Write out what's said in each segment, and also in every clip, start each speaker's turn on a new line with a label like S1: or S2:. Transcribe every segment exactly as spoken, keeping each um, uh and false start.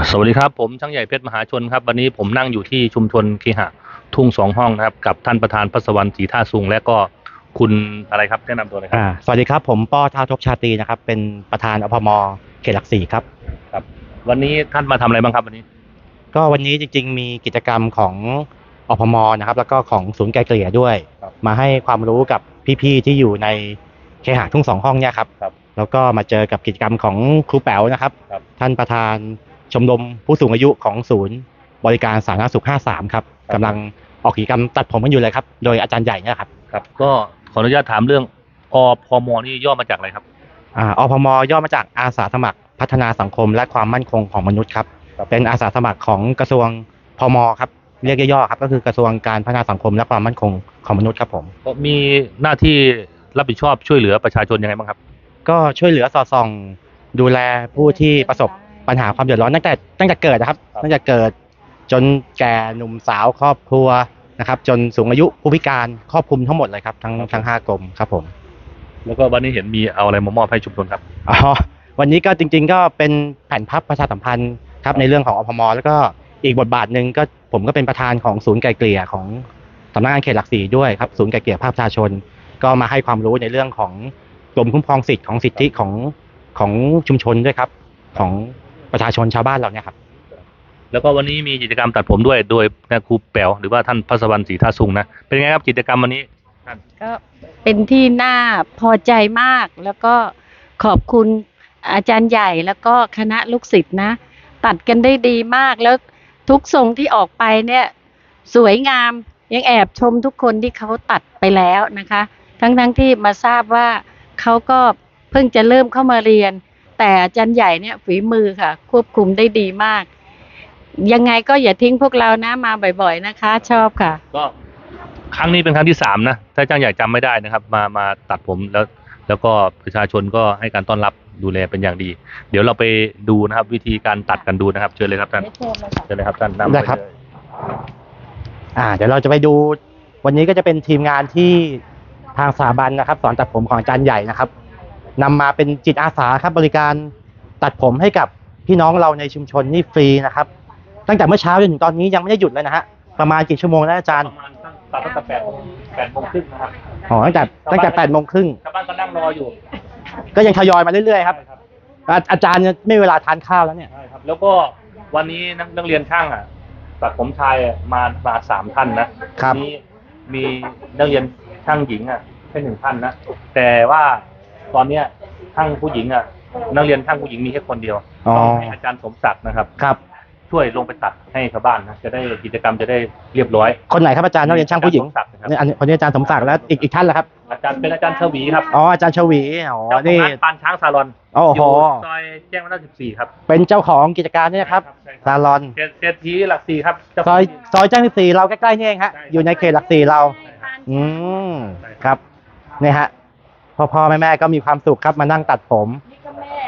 S1: สวัสดีครับผมช่างใหญ่เพชรมหาชนครับวันนี้ผมนั่งอยู่ที่ชุมชนเคหะทุ่งสองห้องนะครับกับท่านประธานพัสวรรณศรีท่าสุงและก็คุณอะไรครับแนะนำตัวเลยครับ
S2: อ่าสวัสดีครับผมป้อท้าวทบชาตรีนะครับเป็นประธานอพมเขตหลักสี่ครับ
S1: ครับวันนี้ท่านมาทำอะไรบ้างครับวันนี้
S2: ก็วันนี้จริงๆมีกิจกรรมของอพมนะครับแล้วก็ของศูนย์ไกลเกลี่ยด้วยมาให้ความรู้กับพี่ๆที่อยู่ในเคหะทุ่งสองห้องเนี่ยครับแล้วก็มาเจอกับกิจกรรมของครูแป๋วนะครับท่านประธานชมรมผู้สูงอายุของศูนย์บริการสาธารณสุขห้าสิบสามครับกำลังออกกิจกรรมตัดผมกันอยู่เลยครับโดยอาจารย์ใหญ่เนี่ยครับ
S1: ครับก็ขออนุญาตถามเรื่องอพมนี่ย่อมาจากอะไรครับ
S2: อ่าอพมย่อมาจากอาสาสมัครพัฒนาสังคมและความมั่นคงของมนุษย์ครับเป็นอาสาสมัครของกระทรวงพมครับเรียกย่อๆครับก็คือกระทรวงการพัฒนาสังคมและความมั่นคงของมนุษย์ครับผม
S1: มีหน้าที่รับผิดชอบช่วยเหลือประชาชนยังไงบ้างครับ
S2: ก็ช่วยเหลือสอดส่องดูแลผู้ที่ประสบปัญหาความเดือดร้อนตั้งแต่ตั้งแต่เกิดนะครับตั้งแต่เกิดจนแก่หนุ่มสาวครอบครัวนะครับจนสูงอายุผู้พิการครอบคลุมทั้งหมดเลยครับทั้งทั้งห้ากรมครับผม
S1: แล้วก็วันนี้เห็นมีเอาอะไรมามอบให้ชุมชนครับ
S2: อ๋อวันนี้ก็จริงๆก็เป็นแผ่นพับประชาสัมพันธ์ครับในเรื่องของอพมแล้วก็อีกบทบาทหนึ่งก็ผมก็เป็นประธานของศูนย์ไกลเกลี่ยของสำนักงานเขตหลักสี่ด้วยครับศูนย์ไกลเกลี่ยภาคประชาชนก็มาให้ความรู้ในเรื่องของกรมคุ้มครองสิทธิ์ของสิทธิของของชุมชนด้วยครับของประชาชนชาวบ้านเราเนี่ยครับ
S1: แล้วก็วันนี้มีกิจกรรมตัดผมด้วยโดยครูแป๋วหรือว่าท่านพัสวรรณศรีท่าสุงนะเป็นไงครับกิจกรรมวันนี้
S3: ก็เป็นที่น่าพอใจมากแล้วก็ขอบคุณอาจารย์ใหญ่แล้วก็คณะลูกศิษย์นะตัดกันได้ดีมากแล้วทุกทรงที่ออกไปเนี่ยสวยงามยังแอบชมทุกคนที่เขาตัดไปแล้วนะคะทั้งๆ ทที่มาทราบว่าเขาก็เพิ่งจะเริ่มเข้ามาเรียนแต่อาจารย์ใหญ่เนี่ยฝีมือค่ะควบคุมได้ดีมากยังไงก็อย่าทิ้งพวกเรานะมาบ่อยๆนะคะชอบค่ะ
S1: ก็ครั้งนี้เป็นครั้งที่สามนะถ้าจ้างใหญ่จำไม่ได้นะครับมามาตัดผมแล้วแล้วก็ประชาชนก็ให้การต้อนรับดูแลเป็นอย่างดีเดี๋ยวเราไปดูนะครับวิธีการตัดกันดูนะครับเชิญเลยครับท่านเชิญเลยครับท่านนำไปเลย
S2: อ่าเดี๋ยวเราจะไปดูวันนี้ก็จะเป็นทีมงานที่ทางสถาบันนะครับสอนตัดผมของอาจารย์ใหญ่นะครับนำมาเป็นจิตอาสาครับบริการตัดผมให้กับพี่น้องเราในชุมชนนี่ฟรีนะครับตั้งแต่เมื่อเช้าจนถึงตอนนี้ยังไม่ได้หยุดเลยนะฮะประมาณกี่ชั่วโมงนะอาจารย์
S1: ประมาณตัดตั้งแต่แปดโมงแปดโมงครึ่งนะครับ
S2: อ๋อตั้งแต่ตั้งแต่แปดโมงครึ่ง
S1: ชาวบ้านก็นั่งรออยู่
S2: ก็ยังทยอยมาเรื่อยๆครับอาจารย์ไม่เวลาทานข้าวแล้วเนี่ย
S1: ใช่ครับแล้วก็วันนี้นักเรียนช่างอ่ะตัดผมชายมามาสามท่านนะครับมีมีนักเรียนช่างหญิงอ่ะแค่หนึ่งท่านนะแต่ว่าตอนเนี้ยช่างผู้หญิงอ่ะนักเรียนช่างผู้หญิงมีแค่คนเดียวต้องให้อาจารย์สมศักดิ์นะครับ
S2: ครับ
S1: ช่วยลงไปตัดให้ชาวบ้านนะจะได้กิจกรรมจะได้เรียบร้อย
S2: คนไหนครับอาจารย์นักเรียนช่างผู้หญิงนี่อันคนนี้อาจารย์สมศักดิ์แล้วอีกอีกท่านละครับ
S1: อาจารย์เป็นอาจารย์ชวีครับ
S2: อ๋ออาจารย์ชวีอ๋อ
S1: นี่ปานช้างซาลอน
S2: โอ้โห
S1: ซอยแจ้งวัฒนะสิบสี่ครับ
S2: เป็นเจ้าของกิจการนี่ครับซาลอน
S1: เศรษฐีหลักสี่ครับ
S2: ซอยซอยแจ้งสิบสี่เราใกล้ๆนี่เองฮะอยู่ในเขตหลักสี่เราอืมครับนี่ฮะพ่อพ่อแม่แม่ก็มีความสุขครับมานั่งตัดผม
S3: นี่ก็แม่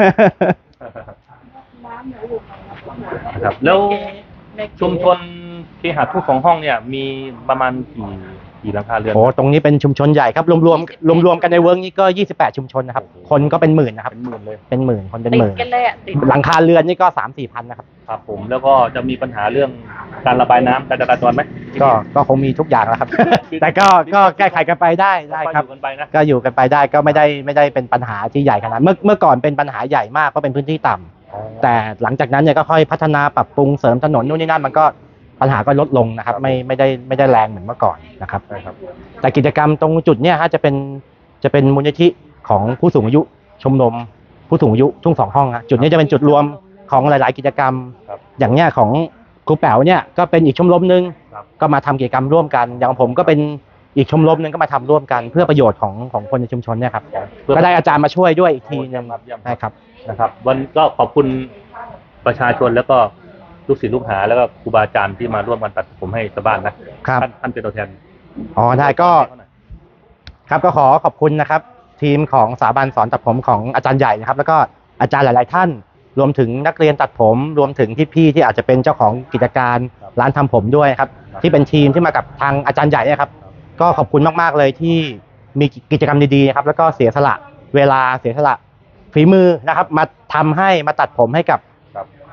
S1: ครับแล้วชุมชนเคหะทุ่งสองห้องเนี่ยมีประมาณกี่กี่หลังคาเรือน
S2: โอ้ตรงนี้เป็นชุมชนใหญ่ครับรวมรวมรวมรวมกันในเวิร์กนี้ก็ยี่สิบแปดชุมชนนะครับคนก็เป็นหมื่นนะครับ
S1: เป็นหมื่นเลย
S2: เป็นหมื่นคนเป็นหมื่นหลังคาเรือนนี่ก็สามสี่พันนะครับ
S1: ครับผมแล้วก็จะมีปัญหาเรื่องการระบายน้ำการจราจรไหม
S2: ก็ก็คงมีทุกอย่างแล้วครับแต่ก็ก็แก้ไขกันไปได้ได้ครับก็อยู่กันไปได้ก็ไม่ได้ไม่ได้เป็นปัญหาที่ใหญ่ขนาดเมื่อเมื่อก่อนเป็นปัญหาใหญ่มากเพราะเป็นพื้นที่ต่ำแต่หลังจากนั้นเนี่ยก็ค่อยพัฒนาปรับปรุงเสริมถนนนู่นนี่นั่นมันก็ปัญหาก็ลดลงนะครับไม่ไม่ได้ไม่ได้แรงเหมือนเมื่อก่อนนะครับแต่กิจกรรมตรงจุดเนี้ยฮะจะเป็นจะเป็นมูลนิธิของผู้สูงอายุชมรมผู้สูงอายุทุ่งสองห้องฮะจุดนี้จะเป็นจุดรวมของหลายๆกิจกรรมอย่างเนี้ยของครูแป๋วเนี่ยก็เป็นอีกชมรมนึงก็มาทำกิจกรรมร่วมกันอย่างผมก็เป็นอีกชมรมนึงก็มาทำร่วมกันเพื่อประโยชน์ของของคนในชุมชนเนี่ยครับก็ได้อาจารย์มาช่วยด้วยอีกทีนึงใช่ครับ
S1: นะครับวันก็ขอบคุณประชาชนแล้วก็ลูกศิษย์ลูกหาแล้วก็ครูบาอาจารย์ที่มาร่วมกันตัดผมให้ชาวบ้านนะครับท่านท่านเป็นตัวแทน
S2: อ๋อได้ก็ครับก็ขอขอบคุณนะครับทีมของสถาบันสอนตัดผมของอาจารย์ใหญ่นะครับแล้วก็อาจารย์หลายๆท่านรวมถึงนักเรียนตัดผมรวมถึงพี่ๆที่อาจจะเป็นเจ้าของกิจการร้านทำผมด้วยครับที่เป็นทีมที่มากับทางอาจารย์ใหญ่เนี่ยครับก็ขอบคุณมากๆเลยที่มีกิจกรรมดีๆครับแล้วก็เสียสละเวลาเสียสละฝีมือนะครับมาทำให้มาตัดผมให้กับ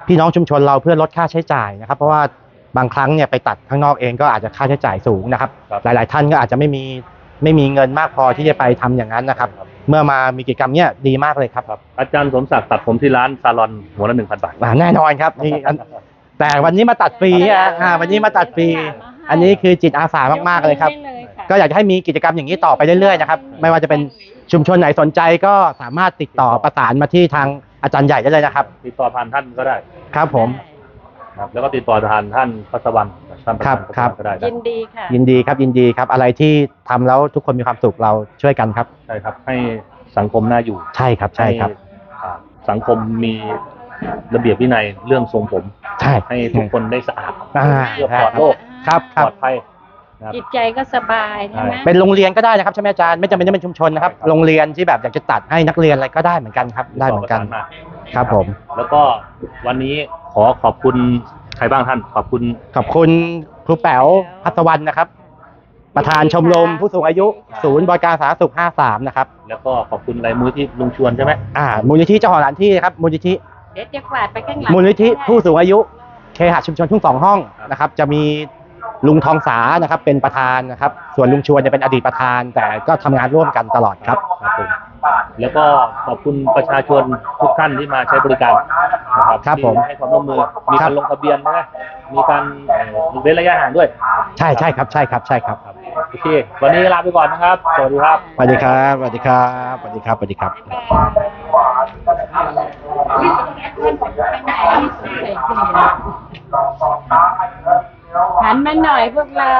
S2: พี่น้องชุมชนเราเพื่อลดค่าใช้จ่ายนะครับ เพราะว่าบางครั้งเนี่ยไปตัดข้างนอกเองก็อาจจะค่าใช้จ่ายสูงนะครับ
S1: ครับ
S2: หลาย ๆ ท่านก็อาจจะไม่มีไม่มีเงินมากพอที่จะไปทำอย่างนั้นนะครับ
S1: ครับ
S2: เมื่อมามีกิจกรรมเนี้ยดีมากเลยครับ
S1: ครับอาจารย์สมศักดิ์ตัดผมที่ร้านซาลอนหัวละหนึ่งพันบาท
S2: อ่าแน่นอนครับนี่อันแต่วันนี้มาตัดฟรีอ่ะอ่าวันนี้มาตัดฟรี อันนี้คือจิตอาสามากๆเลยครับ ก็อยากจะให้มีกิจกรรมอย่างนี้ต่อไปเรื่อยๆนะครับไม่ว่าจะเป็นชุมชนไหนสนใจก็สามารถติดต่อประสานมาที่ทางอาจารย์ใหญ่ได้เลยนะครับ
S1: ติดต่อผ่านท่านก็ได้
S2: ครับผม
S1: ครับแล้วก็ติดต่อผ่านท่านพัสวรรณท่านประธาน
S2: ครับ
S1: ก็ได้นะ
S3: ยินดีค่ะ
S2: ยินดีครับยินดีครับอะไรที่ทำแล้วทุกคนมีความสุขเราช่วยกันครับ
S1: ใช่ครับให้สังคมน่าอยู่
S2: ใช่ครับใช่ครับ
S1: อ่าสังคมมีระเบียบวินัยเรื่องทรงผม
S2: ใช่
S1: ให้ทุกคนได้สะอาด
S2: อ่า
S1: เพื่อปลอดโรค
S2: ครับค
S1: ป
S2: รับ
S1: ลอดภัยนะครับ
S3: จิตใจก็สบายใช่ไหม
S2: เป็นโรงเรียนก็ได้นะครับใช่ไหมอาจารย์ไม่จำเป็นต้องเป็นชุมชนนะครับ
S1: ใช่ครับ
S2: โรงเรียนที่แบบอยากจะตัดให้นักเรียนอะไรก็ได้เหมือนกันครับได้เหมือนกัน
S1: ติดต่อประสานมา
S2: ครับผม
S1: แล้วก็วันนี้ขอขอบคุณใครบ้างท่านขอบคุณ
S2: ขอบคุณครูแป๋วพัศวรรณนะครับ ประธานชมรมผู้สูงอายุศูนย์บริการสาธารณสุขห้าสามนะครับ
S1: แล้วก็ขอบคุณรายมือที่ลุงชวนใช่ไหม
S2: อ่ามูลนิธิเจ้าของสถานที่นะครับมูลนิธิ
S3: เดี๋ยวจะกวาดไปข้างหลัง
S2: มูลนิธิผู้สูงอายุเคหะชุมชนทุ่งสองห้องนะครับ จะมีลุงทองสานะครับเป็นประธานนะครับ ส่วนลุงชวนจะเป็นอดีตประธาน แต่ก็ทำงานร่วมกันตลอดครับ
S1: ครับผมแล้วก็ขอบคุณประชาชนทุกท่านที่มาใช้บริการนะครับ
S2: ครับผม
S1: ที่ให้ความร่วมมือมีการลงทะเบียนใช่ไหมมีการเอ่อเว้นระยะห่างด้วย
S2: ใช่ใช่ครับใช่ครับใช่ครับ
S1: ครับโอเควันนี้ลาไปก่อนนะครับสวัสดีครับ
S2: สวัสดีครับสวัสดีครับสวัสดีครับสวัสดีครับ
S3: หันมาหน่อยพวกเรา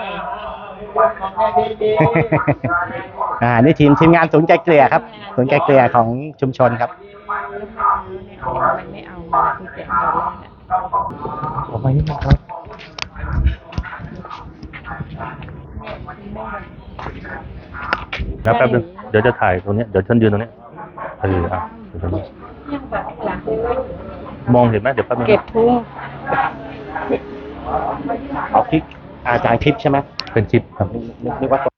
S2: อ่านี่ทีมทีมงานศูนย์ไกลเกลี่ยครับศูนย์ไกลเกลี่ยของชุมชนครับ
S3: มันไม่เอามาที่แต่ตอนแรกอะ
S2: ผมไม่ได้ครับ
S1: แล้วแป๊บนึงเดี๋ยวจะถ่ายตรงเนี้ยเดี๋ยวฉันยืนตรงเนี้ยเอออ่ะเดี๋ยวฉันมองเห็นไหมเดี๋ยวแป๊บนึง
S3: เก็บพุง
S2: เอาคลิปอาจารย์คลิปใช่ไหม
S1: เป็นคลิปครับ
S2: นึกว่า